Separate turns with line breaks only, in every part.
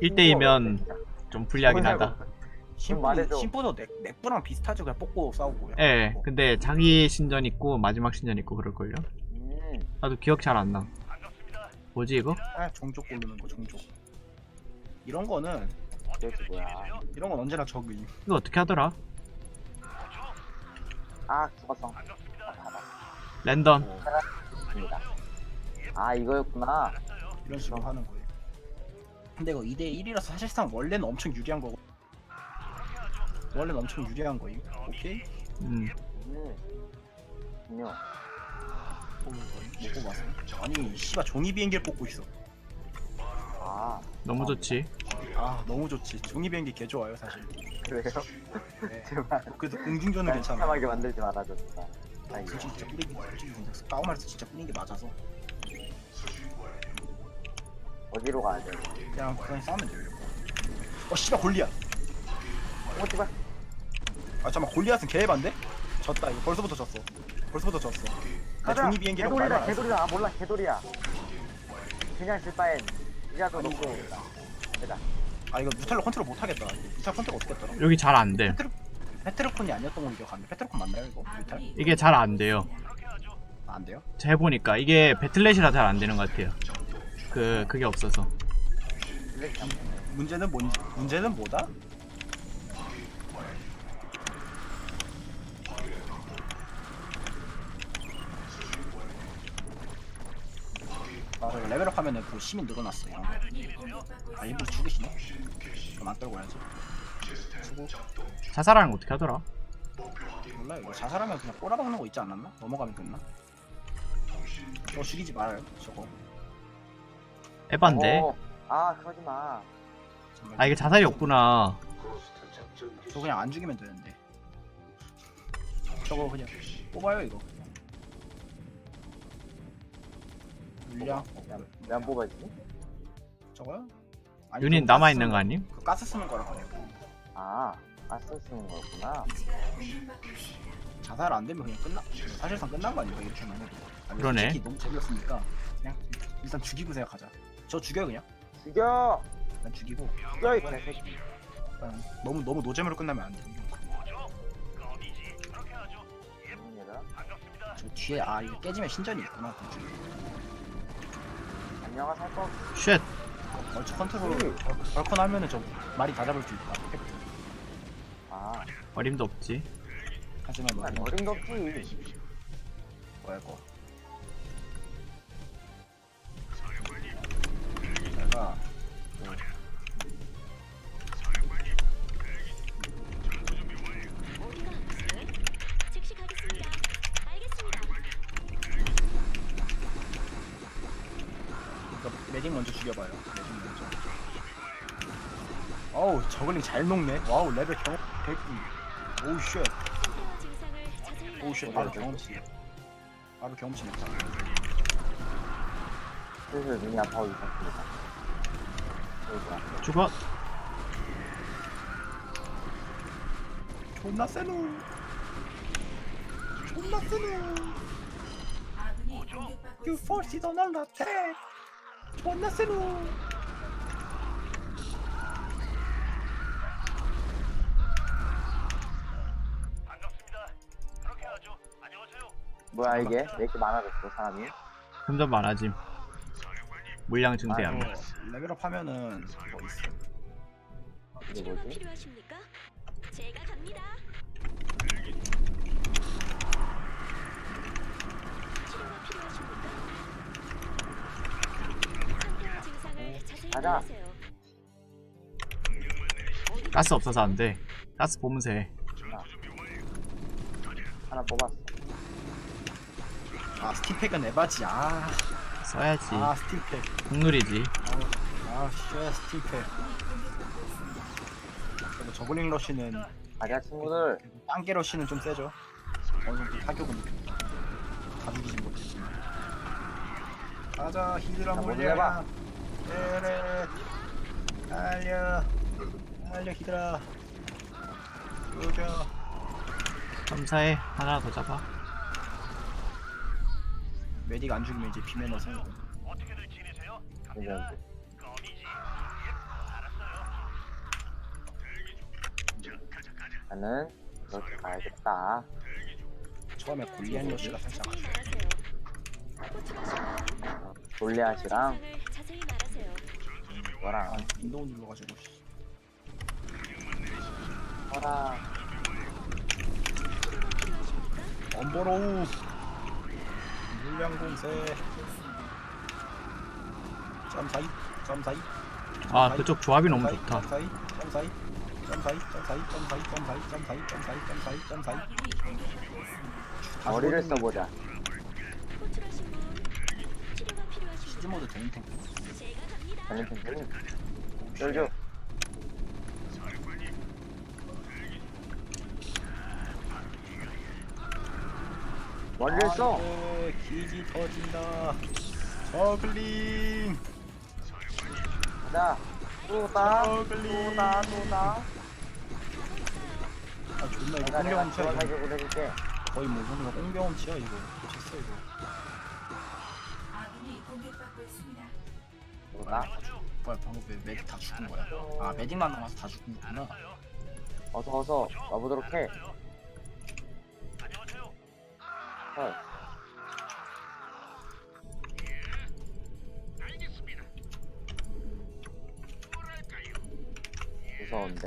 1대2면 좀 불리하긴 하다.
말해줘.
심포도 넥부랑 비슷하죠. 그냥 뽑고 싸우고.
예, 근데 자기 신전 있고 마지막 신전 있고 그럴걸요?
음.
나도 기억 잘 안 나. 뭐지 이거?
종족 고르는 거 종족. 이런 거는
그것이 뭐야.
이런 건 언제나 적이.
이거 어떻게 하더라?
아, 죽었어.
랜덤.
입니다. 아, 이거였구나.
이런 식으로 하는 거예요. 근데 이거 2대1이라서 사실상 원래는 엄청 유리한 거고. 원래는 엄청 유리한 거예요. 오케이?
분명.
못 뽑았어. 아니 씨발 종이 비행기를 뽑고 있어.
아,
너무 좋지.
아 너무 좋지. 종이 비행기 개 좋아요 사실.
그래요?
네.
제발.
그래도 공중전은 괜찮아.
참하게 만들지 말아줘, 진짜. 아이고.
솔직히 진짜 뿌리기 솔직히 생겼어. 까오말에서 진짜 뿌린 게 맞아서
어디로 가야 돼?
그냥 싸우면 돼요. 씨발 골리앗.
제발.
아 잠깐 골리앗은 개반데? 졌다 이거 벌써부터 졌어. 벌써부터 졌어. 나 종이 비행기라고 말도 안 했어.
개돌이다. 아, 몰라, 개돌이야. 그냥 질 바엔 이라도 놓고 되다.
아 이거 뮤탈로 컨트롤 못하겠다. 뮤탈 컨트롤 어떻게 했더라?
여기 잘 안 돼.
페트로콘이 아니었던 걸로 기억하는데 페트로콘 맞나요 이거? 뮤탈?
이게 잘 안 돼요.
안 돼요?
제가 해보니까 이게 배틀넷이라 잘 안 되는 것 같아요. 그게 없어서.
문제는 뭐다? 맞아 레벨업 하면은 그 시민 늘어났어 이런 거. 아 일부러 죽으시네? 그럼 안 떨고 와야지. 수고.
자살하는 거 어떻게 하더라?
몰라 이거 자살하면 그냥 꼬라박는 거 있지 않았나? 넘어가면 끝나? 저거 죽이지 말아요 저거.
에반데?
아, 그러지 마.
정말.
아 이게 자살이 없구나.
저 그냥 안 죽이면 되는데. 저거 그냥 뽑아요 이거. 물량
왜 안 뽑아지지?
저거요? 아니,
유닛
그거
남아있는 거
가스
아님?
그 가스 쓰는 거라 그래요.
아, 가스 쓰는 거구나.
자살 안 되면 그냥 끝나. 사실상 끝난 거 아닌가 이렇게만 해도. 아니,
그러네.
솔직히 너무 재미없으니까 그냥 일단 죽이고 생각하자. 저 죽여 그냥.
죽여!
그냥 죽이고.
죽여, 이 개새끼.
너무 노잼으로 끝나면 안 돼.
얘들아.
저 뒤에 이거 깨지면 신전이 있구나.
안녕하세요.
쉣.
얼추 컨트롤 벌컨 하면은 저 말이 다 잡을 수 있다.
아,
어림도 없지.
하지만 뭐
어림도 없지.
뭐야 이거. 내가
즉시 가겠습니다. 알겠습니다.
매딩 먼저 죽여봐요. 매딩 먼저. 어우 저글링 잘 녹네. 와우 레벨 경험 100. 오우 쉣.
상태와 증상을 자세히
오우 쉣
말해주세요.
바로 경험치. 바로 경험치 냈다.
슬슬 눈이 아파오기 시작합니다.
죽어.
존나 세노. 존나 세노. You force it on an attack. 존나 세노.
뭐야, 이게? 왜 이렇게 많아졌어, 사람이?
점점 많아짐. 물량 증대함.
아이고,
레벨업 하면은 뭐 있어?
이게
치료가
뭐지?
필요하십니까? 제가 갑니다. 치료가 필요하십니까? 상태와 증상을 자세히
가자.
말하세요.
가스 없어서 안 돼. 가스 보면서 해.
하나 뽑았어.
스팀팩은 에바지.
써야지.
스팀팩.
국룰이지.
쉣 스팀팩. 그리고 저글링 러쉬는
가자, 친구들.
땅개 러쉬는 좀 세죠. 어느 정도 타격은 다 죽이진 못했지만. 가자 히드라
자,
몰려.
몰려봐.
에레 달려 히드라. 조져.
점사해. 하나 더 잡아.
메딕 안 죽이면 이제 비매너서.
괜찮은데. 나는 이렇게 가야겠다.
처음에 골리앗 요시가 살짝
자세히 말하세요. 호출하신
골리앗이랑
증상을 자세히 말하세요.
뭐랑
윈도우 눌러가지고 씨.
뭐랑
치료가 필요하십니까?
엄버로우 물량 공세 점사이 점사이
아 그쪽 조합이 너무 좋다.
점사이 점사이 점사이 점사이 점사이 점사이 점사이 점사이 점사이 점사이
머리를 써보자.
호출하신 분 치료가 필요하십니까?
시즈모드 되는 탱크
제가 갑니다.
되는 탱크는 쫄죠. 머리를 써.
안돼 기지 터진다 저글링
가자. 또다.
저글링
또다. 또다.
아 존나 이거
내가
꽁경험치야
지원하게
이거
보내줄게.
거의 뭐 우리가 꽁경험치야 이거 미쳤어 이거
또다.
뭐야 방금 왜 메딕 다 죽은 거야 아 메딕만 남아서 다 죽은 거구나
어서 와보도록 해. 헐. 무서운데?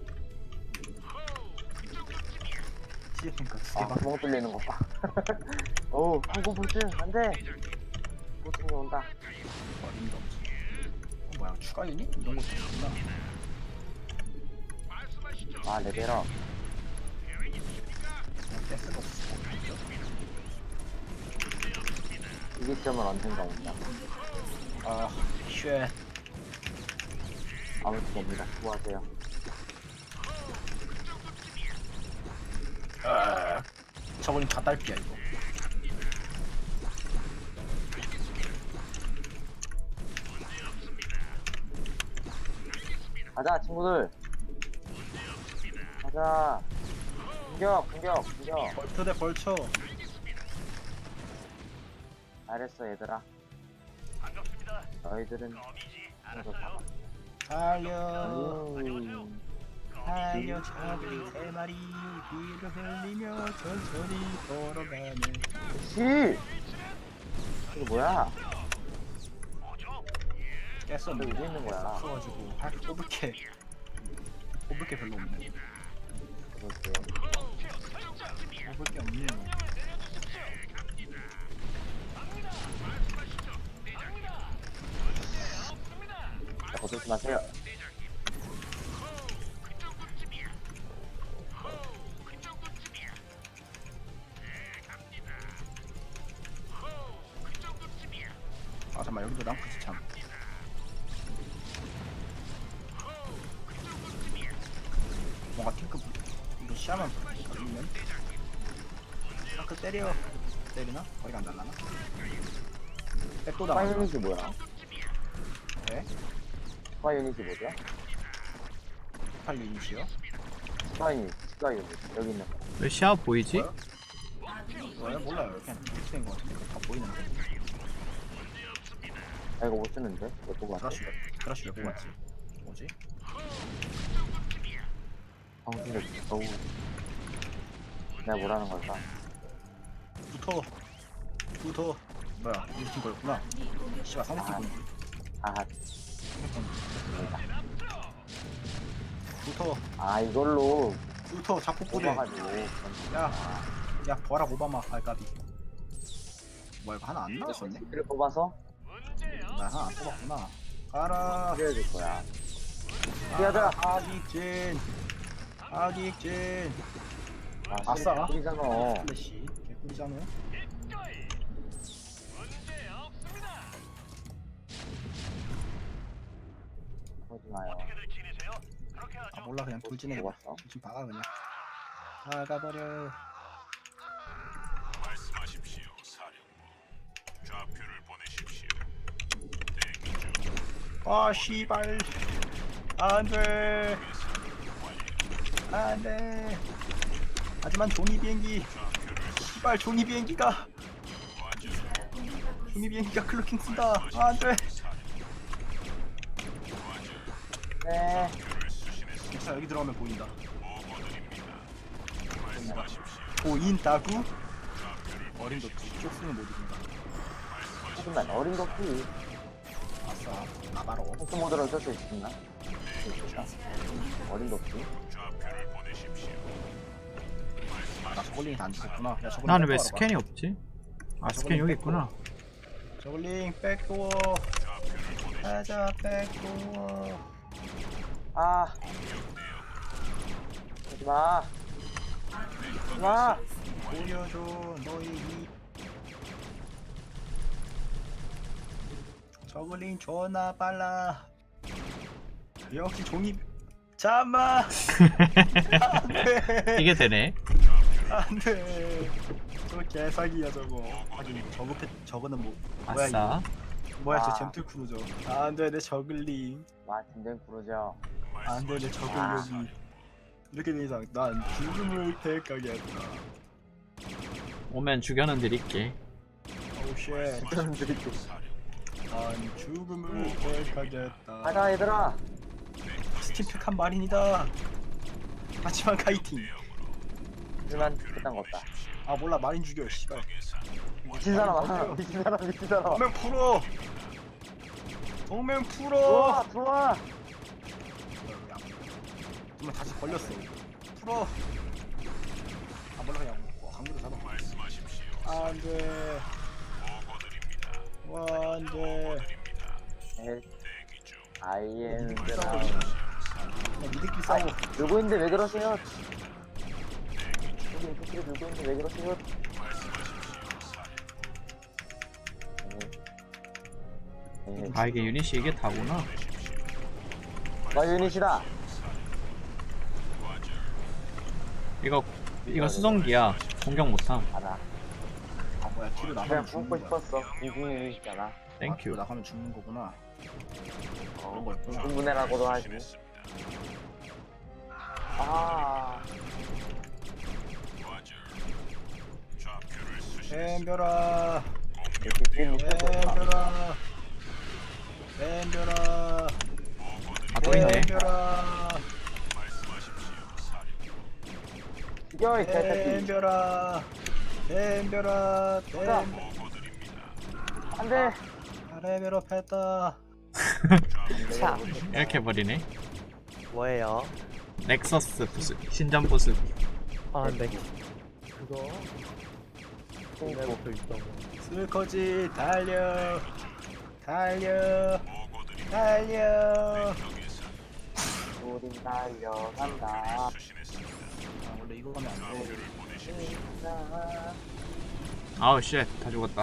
시즈핑크
아,
두개밖에
구멍 뚫리는 것 봐. 어우, 항공 불증, 안 돼! 보통이 온다.
어림도 없지 뭐야 추가 유닛? 이런 것도 있구나
아, 레벨업.
그냥 떼쓰가 없어
이 시점은 언젠가 온다.
아 쉣
아무튼 옵니다. 수고하세요.
저거는 다 딸피야 이거
가자, 친구들! 가자! 공격!
벌초 대 벌초
잘했어, 얘들아. 너희들은 친구 잡아.
달려 달려 저글링 3마리 피를 흘리며 천천히 걸어가네
씨! 이거 뭐야?
깼어
왜 여기 있는 거야?
없어가지고 할 뽑을 게 별로 없네
그렇게.
뽑을 게 없네
자, 거들지 마세요.
아 잠깐만 여기도 랑크지 참 뭔가 탱크 이거 시야만 걸리면 랑크 때리나? 거리가 안 달라나? 백도
스파
당하죠
유닛이 뭐야?
네?
스파 유닛이 뭐죠?
18 유닛이요?
스파 유닛. 여기 있는 거.
왜 시야 보이지?
뭐야? 몰라요 그냥 이렇게 된거 같은데 다 보이는데
아, 이거 못 쓰는데? 왜 보고 왔어?
크라쉬 왜 뽑았지? 뭐지?
방송들, 어우. 내가 뭐라는 걸까?
붙어 뭐야 우리 팀 거였구나 씨발 상대팀 거였지
아,
붙어
아, 이걸로
자꾸 뿌려
뽑아가지고.
야 버락 오바마 알까비 뭐야 이거 하나 안 나왔었네?
를 뽑아서
나 하나 안 뽑았구나 가라
뿌려줄 거야. 뛰어들어!
아직진
아싸. 뿌리잖아.
플래시 개꿀이잖아
보지 마요.
아 몰라 그냥 돌진해
뽑았어.
돌진 박아 그냥 나가버려
말씀하십시오, 사령부. 좌표를 보내십시오. 대기 중.
아 씨발 안돼 안돼 하지만 종이 비행기 씨발 종이 비행기가 클로킹 쓴다 안돼
네.
자 여기 들어가면 보인다 모든다. 보인다구? 어림도 쪽수는 못 이긴다.
하지만 어린 도끼
아싸, 나바로.
포스 모드로 쓸 수 있나? 어린 도끼.
좌표를 보내십시오.
나 저글링이 안 죽었구나. 야, 저글링
나는 왜
백도어로
스캔이 없지? 아 스캔 여기 있구나.
가. 저글링 백도어. 가자 백도어.
아. 하지마. 하지마.
보여줘 너의 이. 저글링 존나 빨라. 역시 종이. 잠만. 안돼.
이게 되네.
안돼. 저 개사기야 저거. 하긴 저거는 뭐 뭐야
아싸.
이거. 뭐야 저
아.
잼틀 크루저. 안돼 내 저글링.
와 진정 부르죠.
안돼 내 저글링이. 이렇게 된 이상 난 죽음을 택하겠다.
오면 죽여는 드릴게.
오쉣.
그럼 드릴게.
난 죽음을 택하겠다.
가자 얘들아.
스팀팩한 말입니다. 하지만 카이팅.
하지만 그딴 거 없다.
아 몰라 마린 죽여 씨발.
미친 사람아. 미친 사람 미친 사람.
동맹 풀어. 동맹 풀어.
들어와 들어와.
정말 다시 걸렸어. 풀어. 아 몰라 그냥 강물을 잡아.
말씀하십시오.
안돼.
보고드립니다.
와 안돼.
대기 중.
아이엔드라.
니들끼리 싸워.
놀고 있는데 왜 그러세요? 여기 새끼를 놀고 있는데 왜 그러세요? 네.
아 이게 유닛이 이게 다구나.
와 유닛이다.
이거 수성기야. 공격 못함.
알아.
아 뭐야 뒤로
그냥
나가면
품고
죽는 거야.
싶었어. 공중 유닛이잖아.
아, 뒤로
땡큐.
나가면 죽는 거구나. 그런 거였구나.
공분해라고도 하지.
진했습니다.
아.
과절. 좌표를 수신.
엠벼라.
느낌
엠벼라. 엠벼라.
아 또 있네.
엠벼라.
말씀하십시오. 사령.
죽여 이 개새끼.
엠벼라. 엠벼라.
자.
보고드립니다.
안돼.
레벨업 했다.
자.
이렇게 버리네.
뭐예요?
넥서스 부스 신전 부스.
아, 네. 그거 내부터 있던 거.
슬커지 달려. 달려.
보고드립니다.
달려.
우린 달려간다.
수신했습니다.
아, 원래 이거 하면 안 돼.
아우 쉣. 다 죽었다.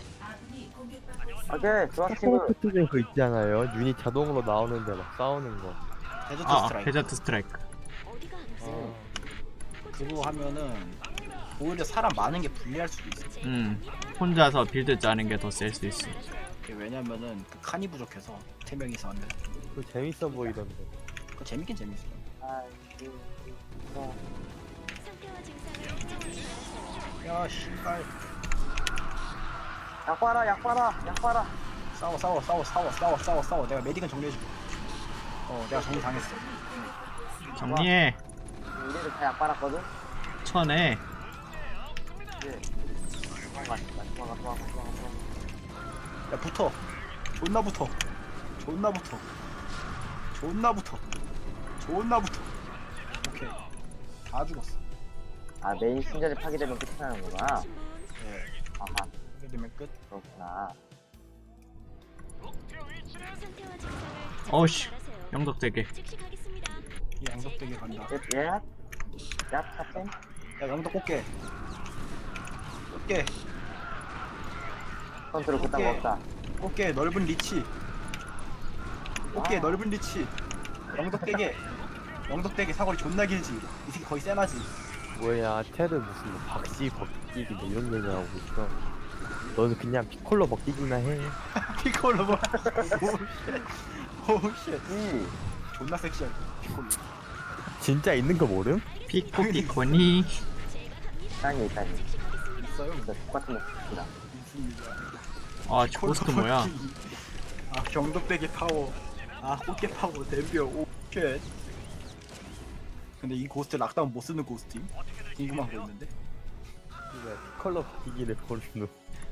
오케이 좋아 친구.
스포츠전 그 있잖아요. 유닛 자동으로 나오는데 막 싸우는 거.
데저트
아
스트라이크.
데저트 스트라이크.
어디가 아프세요?
그거 하면은 오히려 사람 많은 게 불리할 수도 있어.
혼자서 빌드 짜는 게 더 셀 수 있어.
그게 왜냐면은 그 칸이 부족해서 3명이서 하면
그거 재밌어 보이던데.
그거 재밌긴 재밌어.
상태와 증상을 정확히 말하세요.
야 씨발.
약 봐라 약 봐라 약 봐라.
싸워. 내가 메딕은 정리해줄게. 내가 정리 당했어.
정리해.
우리를 다 약 빨았거든.
쳐내.
예. 도망가.
야 붙어. 존나 붙어. 오케이. 다 죽었어.
아 메인 신전이 파괴되면 끝이 나는구나.
신분
예.
아하
이렇게 되면 끝.
그렇구나.
상태와 증상을
어우,
정확히
씨.
말하세요.
영덕대게.
즉시 가겠습니다.
이 양덕되게 간다.
예? 약 탑생?
야 양덕 꽃게. 꽃게.
컨트롤 그딴 거 없다.
꽃게 넓은 리치. 꽃게 넓은 리치. 영덕대게 사거리 존나 길지. 이 새끼 거의 세나지.
뭐야, 테드 무슨 뭐 박씨 벗기기 뭐 이런 얘기 하고 있어. 너는 그냥 피콜로 벗기기나 해.
피콜로 뭐. 오쉣.
이
존나 섹시하게 피콜로.
진짜 있는 거 모름?
피코피코니.
제가 갑니다.
땅에 있다니.
즉시 가겠습니다.
있어요?
진짜 똑같은 모습이다.
있습니다.
아 고스트 뭐야?
아 경덕대게 파워. 아 꽃게 파워 댐벼. 오쉣. 근데 이 고스트 락다운 못 쓰는 고스트임? 궁금한 거 있는데.
왜 피콜로 바뀌기를 모르는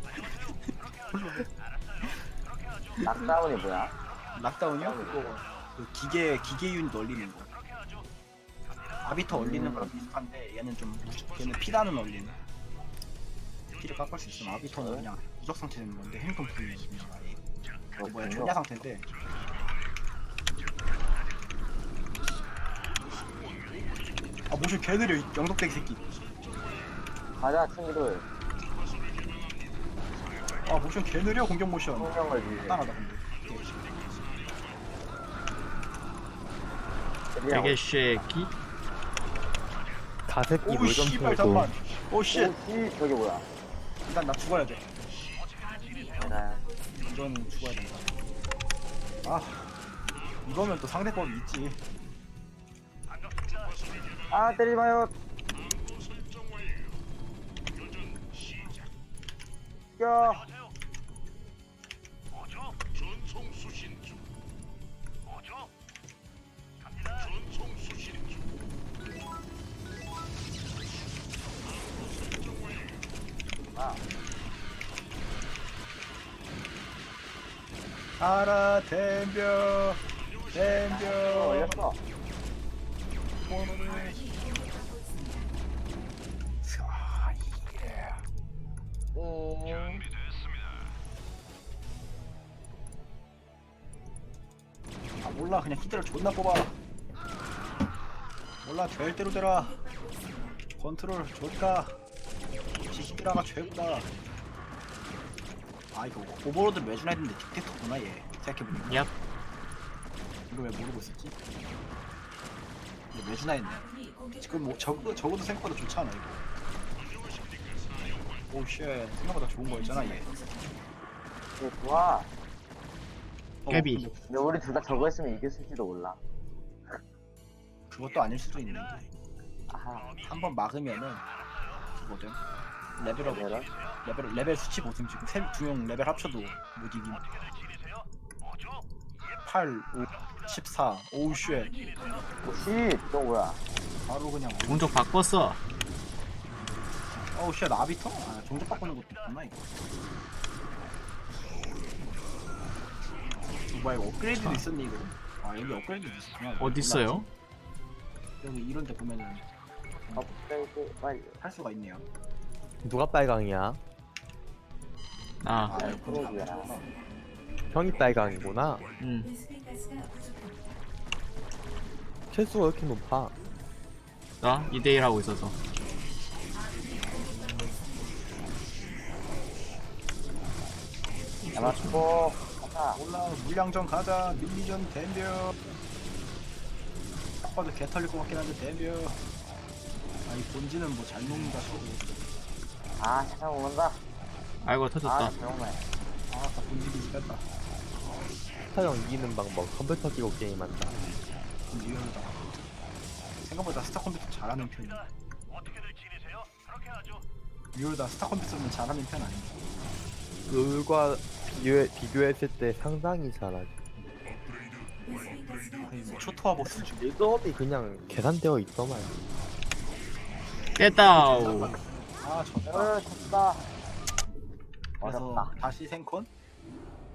락다운이 뭐야?
락다운이요? 그거 그 기계 유닛 얼리는 거. 아비터 얼리는 거랑 비슷한데 얘는 좀 얘는 피다는 얼리는. 피를 깎을 수 있으면 아비터는 그냥 무적 상태 되는 건데 행동 불리는 거야. 그 뭐야 존야 상태인데. 아 모션 개 느려 이 영덕대기 새끼.
가자 친구들.
아 모션 개 느려 공격 모션.
성령을 위해.
간단하다 근데.
되게 쉐키.
가새끼
오
물좀
씨발
털고
잠만. 오 씨.
오씨 저게 뭐야?
일단 나 죽어야 돼.
나
이건 죽어야 된다. 아 이거면 또 상대법이 있지.
아 때리지 마요. 야.
전송 수신 중. 전송 수신 중.
알아 댐벼 댐벼.
올렸어.
아, 예. 아 몰라 그냥 히드를 존나 뽑아. 몰라 될 대로 되라. 컨트롤 좋다. 역시 히드라가 최고다. 아 이거 오버로드 매주 했는데 딕테터구나 얘. 생각해보니까
얍.
이거 왜 모르고 있었지? 이거 매주나 했네. 지금 뭐 적어도 생각보다 좋지 않아 이거. 오쉣 생각보다 좋은 거였잖아 얘.
이게 좋아.
깨비.
근데 우리 둘 다 저거 했으면 이겼을지도 몰라.
그것도 아닐 수도 있는데
아하.
한번 막으면은 그거든. 레벨업
레벨업?
레벨 수치 보셈 지금 두 명 레벨 합쳐도 못 이김. 8, 5, 14, 오우 쉣.
오씨 또 뭐야?
바로 그냥
종족 바꿨어.
어우 쉣 아비터? 아 종족 바꾸는 것도 있구나 이거. 뭐야 이거 업그레이드도 있었네 이거. 아 여기 업그레이드도 있었구나.
어딨어요?
여기 이런 데 보면은
업데이트 빨리.
할 수가 있네요.
누가 빨강이야?
아,
그러기야.
형이 빨강이구나. 최수가 왜 이렇게 높아?
나 2대1 하고 있어서.
잡았고. 가자.
몰라 물량전 가자. 밀리전 댐벼. 딱 봐도 개 털릴 것 같긴 한데 댐벼. 아니 본지는 뭐 잘 녹는다 싶고.
아 세상 오는다.
아이고
아
터졌다.
정말.
아다 본지기 뺐다.
스타형 이기는 방법 컴퓨터 끼고 게임한다.
리얼다. 생각보다 스타 컴퓨터 잘하는 편이야. 리얼다 스타 컴퓨터는 잘하는 편 아닌가?
룰과 비교했을 때 상당히 잘하지.
거의 뭐 초토화 보스 중.
빌드업이 그냥 계산되어 있더만.
깼다우.
아 졌다.
졌다.
그래서
어렵다.
다시 생콘?